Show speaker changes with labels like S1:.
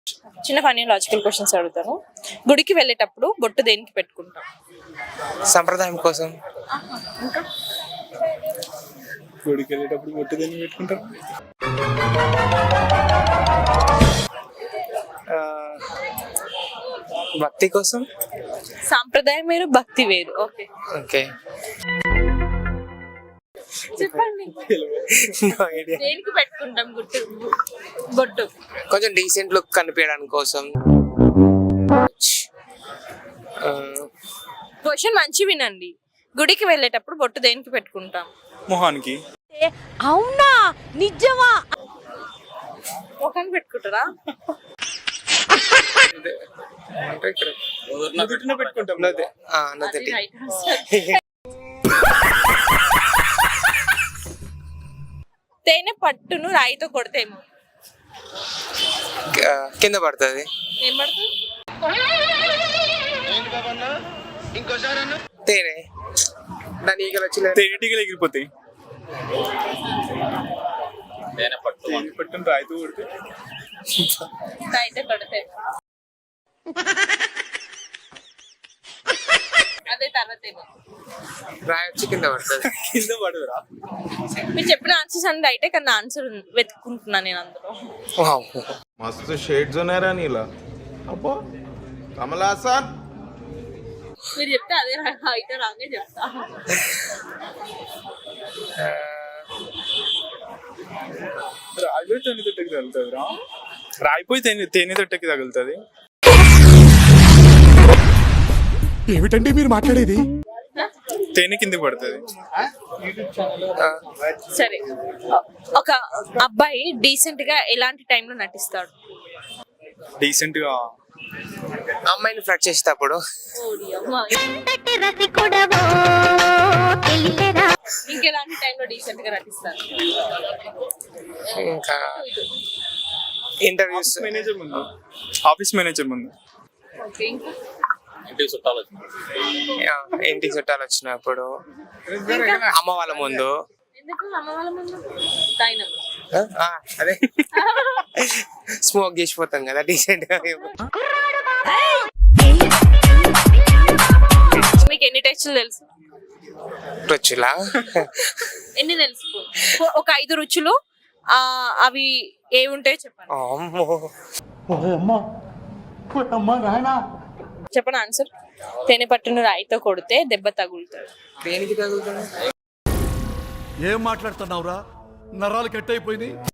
S1: చిన్న funny logical questions అడుగుతాను. గుడికి వెళ్ళేటప్పుడు బొట్టు దేనికి పెట్టుకుంటాం?
S2: సంప్రదాయం కోసం.
S1: ఇంకా
S3: గుడికి వెళ్ళేటప్పుడు బొట్టు దేన్ని పెట్టుకుంటారు?
S2: భక్తి కోసం.
S1: సాంప్రదాయం వేరు, భక్తి వేరు. Okay,
S2: okay.
S1: చెప్పండి.
S2: No idea.
S1: దేనికి పెట్టుకుంటాం బొట్టు?
S2: కొంచెం డీసెంట్ లుక్ కనిపించడానికి కోసం.
S1: క్వశ్చన్ మంచి వినండి. గుడికి వెళ్ళేటప్పుడు బొట్టు దేనికి పెట్టుకుంటాం?
S3: మొహానికి.
S1: అవునా, నిజమా? మొహానికి పెట్టుకుంటారా?
S2: అంటే ఇక్కడ
S3: నుదుటిన పెట్టుకుంటాం.
S2: నది.
S1: Right answer. తేనె పట్టును రాయితో కొడితేమో
S2: కింద పడుతుంది.
S1: ఏం పడుతుంది?
S2: తేనె. దాని ఈగలు వచ్చి
S3: తేనెటీగలు ఎగిరిపోతాయి. తేనె పట్టును రాయితో కొడితే
S1: రాయితో కొడితే అదే తర్వాత ఏమో
S2: రాయి వచ్చి కింద పడుతుంది.
S3: కింద పడదురా.
S1: మీరు చెప్పిన ఆన్సర్స్ అన్ని రైటే, కానీ ఆన్సర్ వెతుక్కుంటున్నా నేను అందులో.
S4: मस्त शेड्स होणार आहे नीला अप्पा कमला असा
S1: మీరు చెప్తే అదే అయితే రాంగే చెప్తా.
S3: రాయిపోయి తేనె తొట్టెకి తగులుతుంది రా. రాయిపోయి తేనె తొట్టెకి తగులుతుంది.
S5: ఏమిటండి మీరు మాట్లాడేది?
S3: తేనె కిందకి పడుతుంది.
S1: సరే, ఒక అబ్బాయి డీసెంట్ గా ఎలాంటి టైంలో నటిస్తాడు?
S3: డీసెంట్ గా
S2: అమ్మాయిని ఫ్లడ్ చేసేటప్పుడు.
S1: ఇంకెలాంటి టైంలో డీసెంట్ గా నటిస్తారు?
S2: ఇంకా ఇంటర్వ్యూస్.
S3: మేనేజర్ ముందు, ఆఫీస్ మేనేజర్ ముందు.
S1: ఓకే, ఇంకా
S2: ఇంటికి చుట్టాలు వచ్చినప్పుడు. అమ్మ వాళ్ళ ముందు.
S1: ఎందుకు అమ్మ వాళ్ళ ముందు? తాయినం.
S2: అదే స్మోక్ చేసిపోతాం కదా డీసెంట్ గా.
S1: మీకు ఎన్ని టెస్టులు తెలుసు?
S2: రుచులా
S1: ఎన్ని తెలుసు? ఒక 5 రుచులు, అవి ఏముంటాయో చెప్పండి. చెప్పండి ఆన్సర్. తేనె పట్టును రాయితో కొడితే దెబ్బ తగులుతాడు.
S2: దేనికి తగులుతుంది?
S5: ఏం మాట్లాడుతున్నావురా? నరాలు కట్ అయిపోయింది.